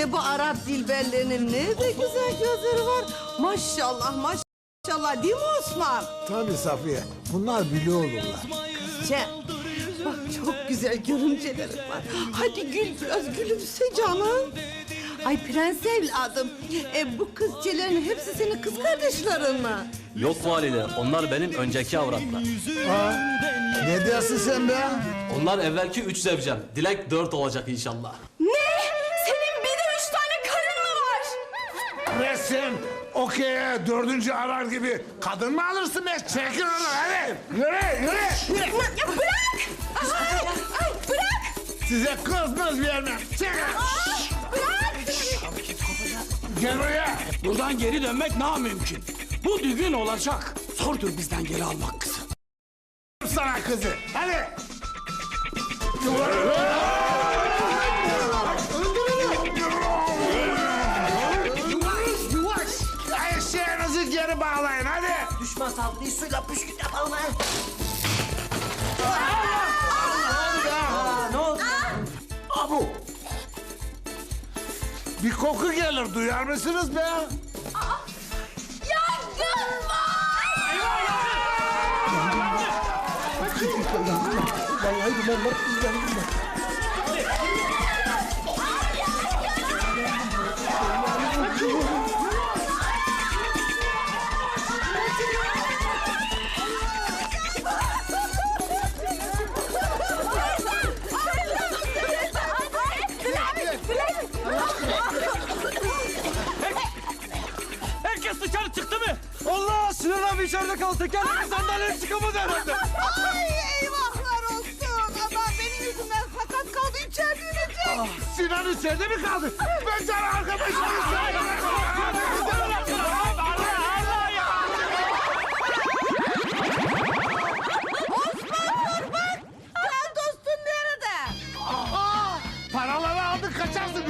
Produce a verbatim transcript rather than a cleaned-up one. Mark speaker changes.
Speaker 1: Hele bu Arap dilberlerinin ne de güzel gözleri var. Maşallah maşallah değil mi Osman?
Speaker 2: Tabii Safiye. Bunlar biliyor olurlar.
Speaker 1: Cem, bak çok güzel görümcelerim var. Hadi gül biraz gülümse canım. Ay prens evladım, e, bu kızcelerin hepsi senin kız kardeşlerin mi?
Speaker 3: Yok valide, onlar benim önceki avratlar.
Speaker 2: Ha? Ne diyorsun sen be?
Speaker 3: Onlar evvelki üç zevcem. Dilek dört olacak inşallah.
Speaker 4: Ne? Senin bir de üç tane karın mı var?
Speaker 2: Resim, okey, dördüncü arar gibi kadın mı alırsın be? Çekil onu hadi. Yürü, yürü.
Speaker 4: Ya bırak! Ay, ay bırak!
Speaker 2: Size kızmaz vermem. Çekil.
Speaker 4: Bırak!
Speaker 2: Gel buraya.
Speaker 5: Buradan geri dönmek namümkün. Bu düğün olacak. Zordur bizden geri almak kızı.
Speaker 2: Sana kızı. Hadi. Eşeğinizi geri bağlayın hadi.
Speaker 6: Düşman tatlıyı suyla püskürt yapalım ha. Ne oldu?
Speaker 2: Abu. Bir koku gelir duyar mısınız be?
Speaker 4: Yangın var!
Speaker 5: Herkes dışarı çıktı mı? Allah! Sinan abi içeride kaldı. Tekerlekli sandalye çıkamadı herhalde.
Speaker 1: Ay eyvahlar olsun. Adam benim yüzümden sakat kaldı içeride ölecek.
Speaker 2: Sinan içeride mi kaldı? Ben sana arkadaşım
Speaker 1: Sen dostun nerede?
Speaker 2: Paraları aldık kaçarsın.